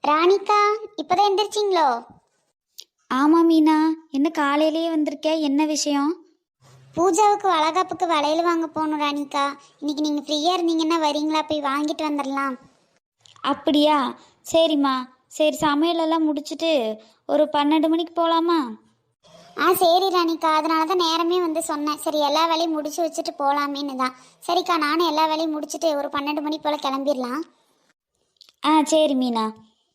ராணிக்கா, இப்பதான் எந்திரிச்சிங்களோ? ஆமாம் மீனா, என்ன காலையிலேயே வந்திருக்க? என்ன விஷயம்? பூஜாவுக்கு வளகாப்புக்கு வளையல் வாங்க போகணும் ராணிக்கா. இன்னைக்கு நீங்கள் ஃப்ரீயாக இருந்தீங்கன்னா வரீங்களா? போய் வாங்கிட்டு வந்துடலாம். அப்படியா? சரிம்மா. சரி, சமையலெல்லாம் முடிச்சுட்டு ஒரு 12 மணிக்கு போகலாமா? சரி ராணிக்கா, அதனால தான் நேரமே வந்து சொன்னேன். சரி, எல்லா வேலையும் முடிச்சு வச்சுட்டு போகலாமேன்னு தான். சரிக்கா, நானும் எல்லா வேலையும் முடிச்சுட்டு ஒரு 12 மணி போல் கிளம்பிடலாம். சரி மீனா.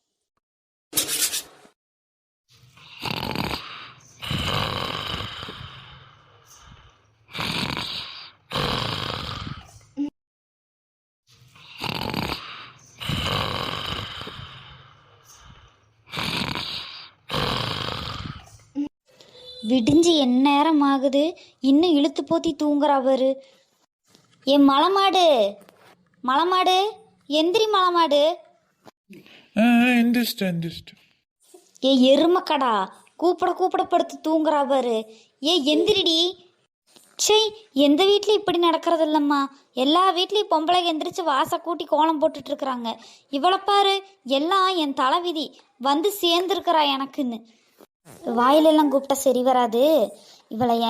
விடிஞ்சு என் நேரம் ஆகுது, இன்னும் இழுத்து போத்தி தூங்குறா பாரு. என் மலமாடு, மலமாடு, எந்திரி மலமாடு. எந்திரிச்சிட்டேன். ஏ எருமக்கடா, கூப்பிட கூப்பிட படுத்து தூங்குறா பாரு. ஏ எந்திரிடி. சே, எந்த வீட்லையும் இப்படி நடக்கிறது இல்லைம்மா. எல்லா வீட்லேயும் பொம்பளை எந்திரிச்சு வாசை கூட்டி கோலம் போட்டுட்டு இருக்கிறாங்க. இவளை பாரு, எல்லாம் என் தலைவிதி வந்து சேர்ந்துருக்கிறா எனக்குன்னு. வாயிலெல்லாம் கூப்பிட்டா சரி வராது. இவளைய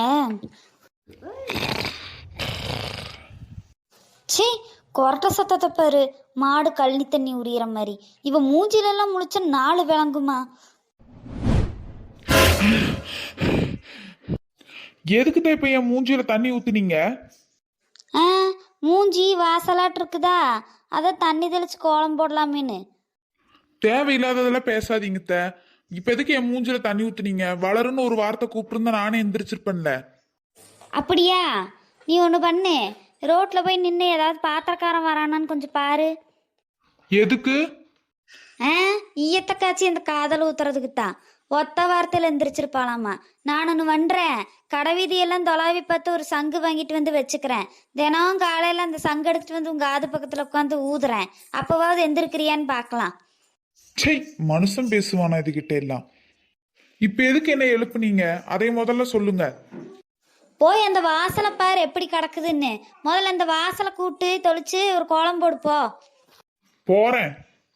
சே, கொரட்ட சத்தத்தை பாரு, மாடு கழனி தண்ணி உரியிற மாதிரி. இவ மூஞ்சிலெல்லாம் முழிச்ச 4 விளங்குமா? எதுக்கு தான் இப்ப என் மூஞ்சியில தண்ணி ஊத்துனீங்க? மூஞ்சி வாசலாட்டு இருக்குதா, அதை தண்ணி தெளிச்சு கோலம் போடலாமேன்னு. தேவையில்லாததெல்லாம் பேசாதீங்க. இப்ப எதுக்கு என் மூஞ்சில தண்ணி ஊத்துனீங்க? வளருன்னு ஒரு வார்த்தை கூப்பிட்டுருந்தா நானே எந்திரிச்சிருப்பேன்ல. அப்படியா? நீ ஒன்று பண்ணு, ரோட்டில் போய் நின்று ஏதாவது பாத்திரக்காரன் வரானான்னு கொஞ்சம் பாரு. எதுக்கு? ஈயத்த காய்ச்சி அந்த காதல் ஊத்துறதுக்கு தான். ஒத்த வார்த்தையில் எந்திரிச்சிருப்பாளாமா. நான் ஒன்று பண்ணுறேன், கடை வீதியெல்லாம் தொலாவி பார்த்து ஒரு சங்கு வாங்கிட்டு வந்து வச்சுக்கிறேன். தினம் காலையில் அந்த சங்கு எடுத்துட்டு வந்து உங்கள் காது பக்கத்தில் உட்காந்து ஊதுறேன். அப்போவாவது எந்திரிக்கிறியான்னு பார்க்கலாம். சை, மனுஷன் பேசுவானா இதுகிட்ட எல்லாம்? இப்ப எதுக்கு என்ன எழுப்புனீங்க? அதை முதல்ல சொல்லுங்க. போய் அந்த வாசலை பாரு எப்படி கிடக்குதுன்னு. முதல்ல அந்த வாசலை கூட்டு தொளிச்சு ஒரு கோலம் போடுப்போ. போறேன்.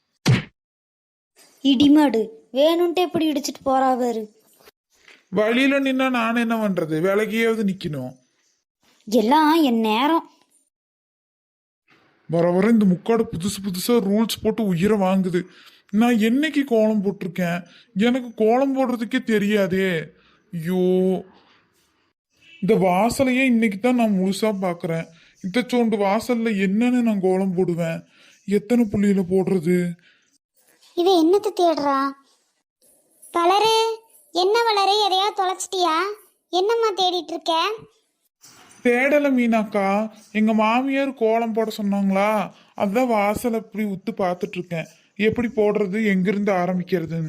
இடிமாடு வேணும்ட்டு எப்படி இடிச்சிட்டு போறாவாரு. வழியில நின்னா நான் என்ன பண்றது? விலகியாவது நிக்கணும். எல்லாம் என் நேரம். வர வர இந்த முக்காடு புதுசா ரூல்ஸ் போட்டு உயிரை வாங்குது. நான் என்னைக்கு கோலம் போட்டிருக்கேன்? எனக்கு கோலம் போடுறதுக்கே தெரியாதே. ஐயோ, இந்த வாசலையே இன்னைக்கு தான் நான் முழுசா பாக்குறேன். இந்த சோண்டு வாசல்ல என்னன்னு நான் கோலம் போடுவேன்? எத்தனை புள்ளியில போடுறது? இவ என்னத்தை தேடுறா? வளரு, என்ன வளரு, எதையா தொலைச்சிட்டியா? என்னம்மா தேடிட்டு இருக்க? தேடல மீனாக்கா, எங்க மாமியார் கோலம் போட சொன்னாங்களா, அதான் வாசல் அப்படி உத்து பார்த்துட்டு இருக்கேன். எப்படி போடுறது, எங்கிருந்து ஆரம்பிக்கிறதுன்னு.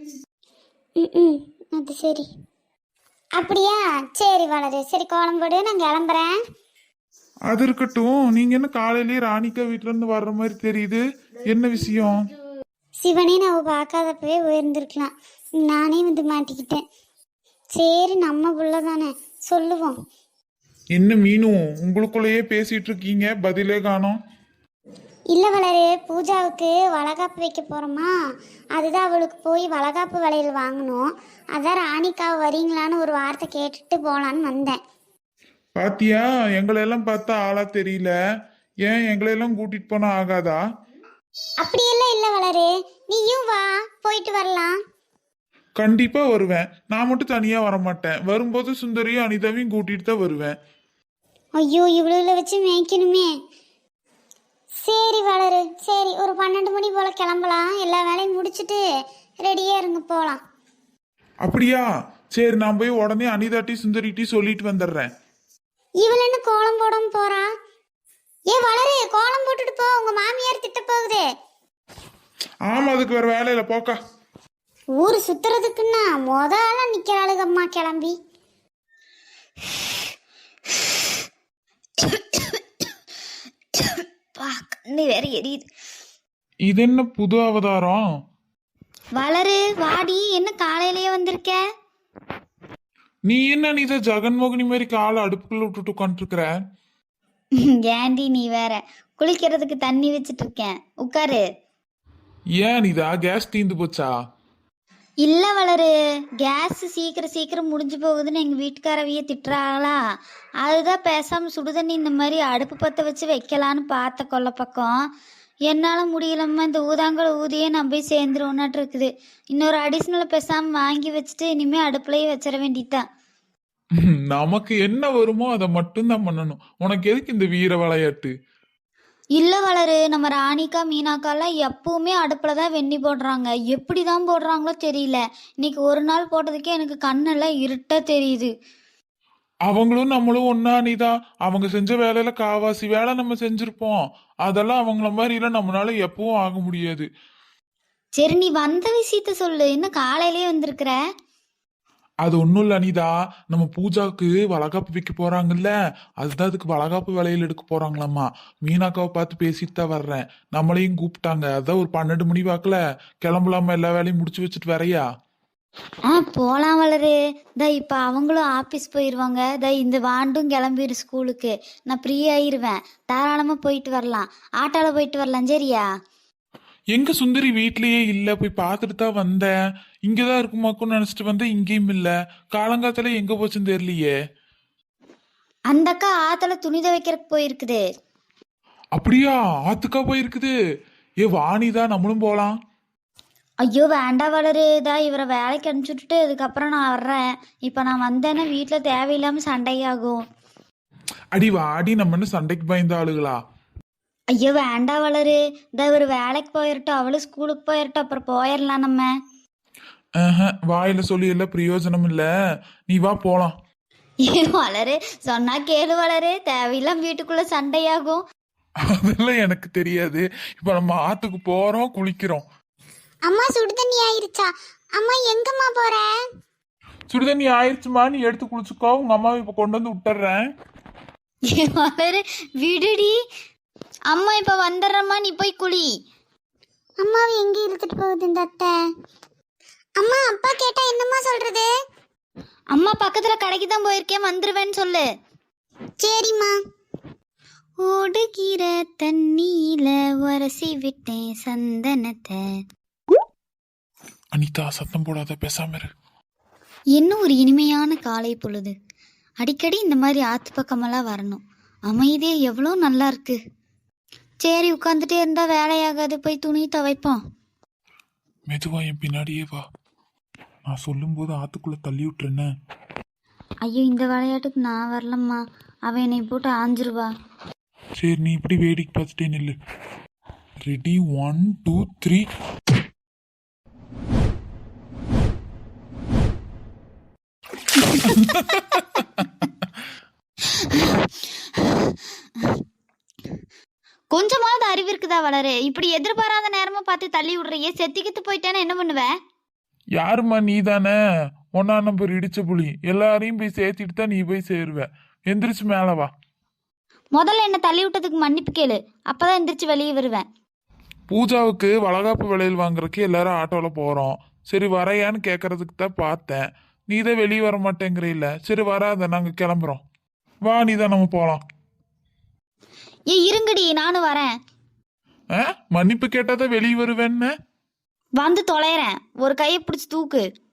அது சரி. அப்படியா? சரி வளரு, சரி கோலம் போடு, நான் கிளம்புறேன். அது இருக்கட்டும். நீங்க என்ன காலையிலேயே ராணிக்கா வீட்டுல இருந்து வர்ற மாதிரி தெரியுது? என்ன விஷயம்? சிவனே நான் பார்க்காதப்பவே உயர்ந்திருக்கலாம், நானே வந்து மாட்டிக்கிட்டேன். சரி, நம்ம புள்ள தானே, சொல்லுவோம். என்ன மீனும் உங்களுக்குள்ளேயே பேசிட்டு இருக்கீங்க, பதிலே காணோம். இல்லை வளரு, பூஜாவுக்கு வளகாப்பு வைக்க போகிறோமா, அதுதான் அவளுக்கு போய் வளகாப்பு வளையல் வாங்கணும். அதான் ராணிக்கா வரீங்களான்னு ஒரு வார்த்தை கேட்டுட்டு போகலான்னு வந்தேன். பாத்தியா, எங்களையெல்லாம் பார்த்தா ஆளா தெரியல. ஏன் எங்களையெல்லாம் கூட்டிட்டு போனா ஆகாதா? அப்படியெல்லாம் இல்லை வளரு, நீயும் வா, போயிட்டு வரலாம். கண்டிப்பா வருவேன். நான் மட்டும் தனியா வரமாட்டேன். வரும்போது சுந்தரியும் அனிதாவையும் கூட்டிட்டு தான் வருவேன். ஐயோ, இவ்வளோ வச்சு மேய்க்கணுமே. சரி வளரு, சரி ஒரு 12 மணி போல் கிளம்பலாம். எல்லா வேலையும் முடிச்சுட்டு ரெடியாக இருங்க, போகலாம். அப்படியா? சரி, நான் போய் உடனே அனிதாட்டி சுந்தரிட்டி சொல்லிட்டு வந்துடுறேன். இவள் என்ன கோலம் போடாம போறா? ஏ வளரு, கோலம் போட்டுட்டு போ, உங்க மாமியார் திட்ட போகுது. ஆமா, அதுக்கு வேற வேலையில போக்கா. ஊர் சுத்துறதுக்குன்னா முதல்ல நிக்கிறாளுகம்மா கிளம்பி. கண்ணு வேற எரியுது. இது என்ன புது அவதாரம்? வளரு, வாடி, என்ன காலையிலேயே வந்திருக்க? நீ என்ன நீத ஜெகன்மோகினி மாதிரி காலை அடுப்புக்குள்ள விட்டுட்டு உட்காந்துருக்குற? ஏண்டி நீ வேற, குளிக்கிறதுக்கு தண்ணி வச்சிட்டு இருக்கேன், உட்காரு. ஏன் அனிதா கேஸ் தீந்து போச்சா? இல்லை வளரு, கேஸ் சீக்கிரம் சீக்கிரம் முடிஞ்சு போகுதுன்னு எங்கள் வீட்டுக்காரவிய திட்டுறாங்களா, அதுதான் பேசாமல் சுடுதண்ணி இந்த மாதிரி அடுப்பு பற்ற வச்சு வைக்கலான்னு பார்த்த கொல்லை பக்கம். என்னால் முடியலம்மா, இந்த ஊதாங்கல் ஊதியே நான் போய் சேர்ந்துருவோன்னாட்டு இருக்குது. இன்னொரு அடிஷ்னலை பேசாமல் வாங்கி வச்சுட்டு இனிமேல் அடுப்புலையே வச்சிட வேண்டியதுதான். நமக்கு என்ன வருமோ அதை மட்டும்தான் பண்ணணும். உனக்கு எதுக்கு இந்த வீர விளையாட்டு? இல்லை வளரு, நம்ம ராணிக்கா மீனாக்காலாம் எப்பவுமே அடுப்பில் தான் வெண்ணி போடுறாங்க. எப்படி தான் போடுறாங்களோ தெரியல. இன்னைக்கு ஒரு நாள் போட்டதுக்கே எனக்கு கண்ணெல்லாம் இருட்டாக தெரியுது. அவங்களும் நம்மளும் ஒன்னா அனிதா. அவங்க செஞ்ச வேலையில காவாசி வேலை நம்ம செஞ்சிருப்போம். அதெல்லாம் அவங்கள மாதிரி எல்லாம் நம்மளால எப்பவும் ஆக முடியாது. சரி, நீ வந்த விஷயத்த சொல்லு. இன்னும் காலையிலேயே வந்திருக்கிற? அது ஒன்றும் இல்லை அனிதா, நம்ம பூஜாவுக்கு வளகாப்பு வைக்க போறாங்கல்ல, அதுதான் அதுக்கு வளகாப்பு வேலையில் எடுக்க போறாங்களாம்மா. மீனாக்காவை பார்த்து பேசிட்டு தான் வர்றேன். நம்மளையும் கூப்பிட்டாங்க. அதான் ஒரு 12 மணி வாக்குல கிளம்பலாமா, எல்லா வேலையும் முடிச்சு வச்சுட்டு வரையா? போகலாம் வளரு. இப்போ அவங்களும் ஆஃபீஸ் போயிடுவாங்க. இந்த வாண்டும் கிளம்பிடு ஸ்கூலுக்கு. நான் ஃப்ரீ ஆயிடுவேன். தாராளமாக போயிட்டு வரலாம். ஆட்டோவில் போயிட்டு வரலாம். சரியா? எங்க சுந்தரி வீட்லயே இல்ல, போய் பார்த்துட்டு தான் வந்தேன். இங்கதான் இருக்குமாக்குன்னு நினைச்சிட்டு வந்தேன், இங்கேயும் இல்ல. காலங்காத்தால எங்க போச்சுன்னு தெரியலையே. அந்த அக்கா ஆற்றுல துணி துவைக்கிறதுக்கு போயிருக்குது. அப்படியா? ஆத்துக்கா போயிருக்குது? ஏ வாணிதா, நம்மளும் போலாம். ஐயோ வேண்டாம் வளரு. இவரை வேலைக்கு அனுப்பிச்சுட்டு அதுக்கப்புறம் நான் வர்றேன். இப்போ நான் வந்தேன்னா வீட்டில் தேவையில்லாமல் சண்டையாகும். அடி வாடி, நம்ம என்ன சண்டைக்கு பயந்த ஆளுகளா? ஐயோ வேண்டாம் வளரு. இவர் வேலைக்கு போயிடட்டும், அவளும் ஸ்கூலுக்கு போயிடட்டும், அப்புறம் போயிடலாம் நம்ம. வாயில சொல்லி எல்லாம் பிரயோஜனம் இல்ல, நீ வா போலாம். வளரு, சொன்னா கேளு வளரு. தேவையில்லாம வீட்டுக்குள்ள சண்டையாகும். அதெல்லாம் எனக்கு தெரியாது. இப்ப நம்ம ஆத்துக்கு போறோம், குளிக்கிறோம். அம்மா சுடுதண்ணி ஆயிருச்சா? அம்மா எங்கம்மா போற? சுடுதண்ணி ஆயிடுச்சுமா, நீ எடுத்து குளிச்சுக்கோ. உங்க அம்மாவை இப்ப கொண்டு வந்து விட்டுறேன். வளரு விடுடி. அம்மா இப்ப வந்துடுறம்மா, நீ போய் குளி. அம்மாவை எங்க இழுத்துட்டு போகுது இந்த அத்தை? அம்மா அப்பா கேட்டா என்னம்மா சொல்றது? அம்மா பக்கத்துல கடைக்கு தான் போயிருக்கேன், வந்துருவேன்னு சொல்லு. சரிம்மா. ஓடுகிற தண்ணியில உரசி விட்டேன் சந்தனத்தை. அனிதா சத்தம் போடாத, பேசாம இரு. இன்னும் ஒரு இனிமையான காலை பொழுது. அடிக்கடி இந்த மாதிரி ஆத்து பக்கமெல்லாம் வரணும். அமைதியே எவ்வளோ நல்லா இருக்கு. சரி, உட்காந்துட்டே இருந்தா வேலையாகாது. போய் துணி துவைப்போம். மெதுவா என் பின்னாடியே வா. நான் சொல்லும் போது ஆத்துக்குள்ள தள்ளி விட்டுறேன்னு. ஐயோ, இந்த விளையாட்டுக்கு நான் வரலம்மா. அவன் என்னை போட்டு ஆஞ்சிருவா. சரி, நீ இப்படி வேடிக்கை பார்த்துட்டே நில்லு. ரெடி, 1 2 3. கொஞ்சமாவது அறிவு இருக்குதா வளரு? இப்படி எதிர்பாராத நேரமா பார்த்து தள்ளி விடுறியே. செத்திக்கிட்டு போயிட்டேன்னா என்ன பண்ணுவேன்? யாருமா நீ தானே 1ஆம் நம்பர் இடிச்ச புலி. எல்லாரையும் போய் சேர்த்திட்டு தான் நீ போய் சேருவ. எந்திரிச்சு மேல வா. முதல்ல என்ன தள்ளி விட்டதுக்கு மன்னிப்பு கேளு, அப்பதான் எந்திரிச்சு வெளியே வருவேன். பூஜாவுக்கு வளகாப்பு விலையில் வாங்குறதுக்கு எல்லாரும் ஆட்டோல போறோம். சரி வரையான்னு கேட்கறதுக்கு தான் பார்த்தேன். நீ தான் வெளியே வர மாட்டேங்கிற. இல்ல சரி வராத, நாங்க கிளம்புறோம். வா நீதான், நம்ம போலாம். இருங்கடி, நானும் வரேன். மன்னிப்பு கேட்டாதான் வெளியே வருவேன்னு. வந்து தொலைறேன். ஒரு கையை பிடிச்சி தூக்கு.